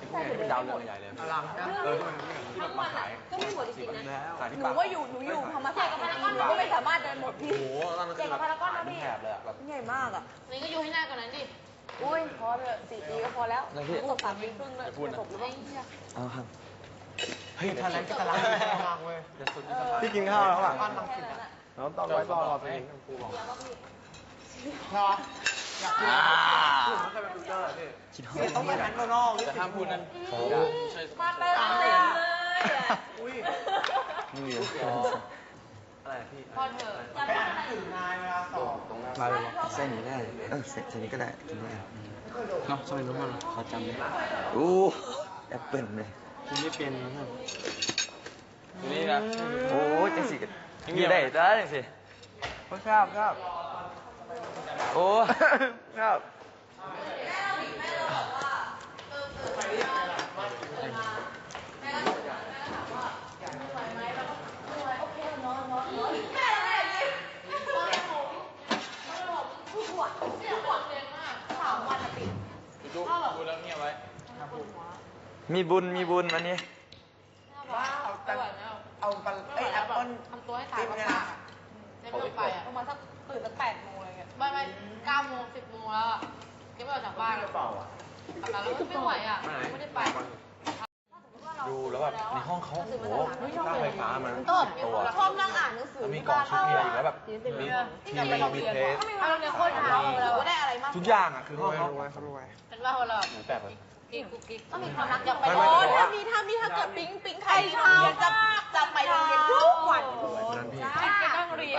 ดาวเรืองใหญ่เลยอลังที่แบบมาขายก็ไม่หมดจริงๆนะขายที่หนูปากว่าอยู่ธรรมศาสตร์กับพารากอนหนูก็ไม่สามารถเดินหมดพี่โอ้โหตอนนั้นคือแบบขายแถบเลยอะแบบใหญ่มากอ่ะนี่ก็อยู่ให้หน้าก่อนนั้นดิอุ้ยพอเถอะ4 ปีก็พอแล้วตก3 ปีครึ่งเลยจบหรือเปล่าเอาครับเฮ้ยทะเลก็ตะลังมากเว้ยจะสุดพี่กินข้าวแล้วอ่ะบ้านลังสิตอะแล้วตอนไว้ตอนรอตัวเองครูบอกรอมันเคยเป็นฟิลเตอร์พี่คิดฮอต้องไปแมคโดนัลด์แต่ห้ามพูดนั้นมาเต็มเลยอ่ะอุ้ยนี่อะไรพี่พอเถอะไปอ่านหนังสือนายเวลาสอบตรงนั้นมาเลยเส้นนี้ได้เส้นนี้ก็ได้กินได้เนาะสมัยนู้นมันเขาจำได้โอ้แอปเปิลเลยกินไม่เป็นนะท่านอยู่นี่นะโอ้จังสิมีได้จ้าจังสิครับโอ้ครับดูแล้วเงียบไว้มีบุญวันนี้ว้าวแต่เอาแอปเปิ้ลทำตัวให้ตายมากๆได้ไม่ไปอ่ะประมาณสักตื่นสัก8 โมงอะไรเงี้ยไม่9 โมง 10 โมงแล้วอ่ะยังไม่ออกจากบ้านแล้วแล้วไม่ไหวอ่ะไม่ได้ไปดูแล้วแบบในห้องเขาโอ้โหค่าไฟฟ้ามันชอบนั่งอ่านหนังสือแล้วมีกล่องชุดเบียร์อีกแล้วแบบมีทีมีเทสเอาเนี่ยโคตรหนาวเราได้อะไรมากทุกอย่างอ่ะคือห้องเขาเป็นว่าเราเหมือนแบบกิ๊กกุ๊กกิ๊กต้องมีความรักอยากไปไม่โอ้ไม่ถ้าเกิดปิ๊งใครทำจะไปโรงเรียนทุกวันนั้นพี่จะต้องเรียน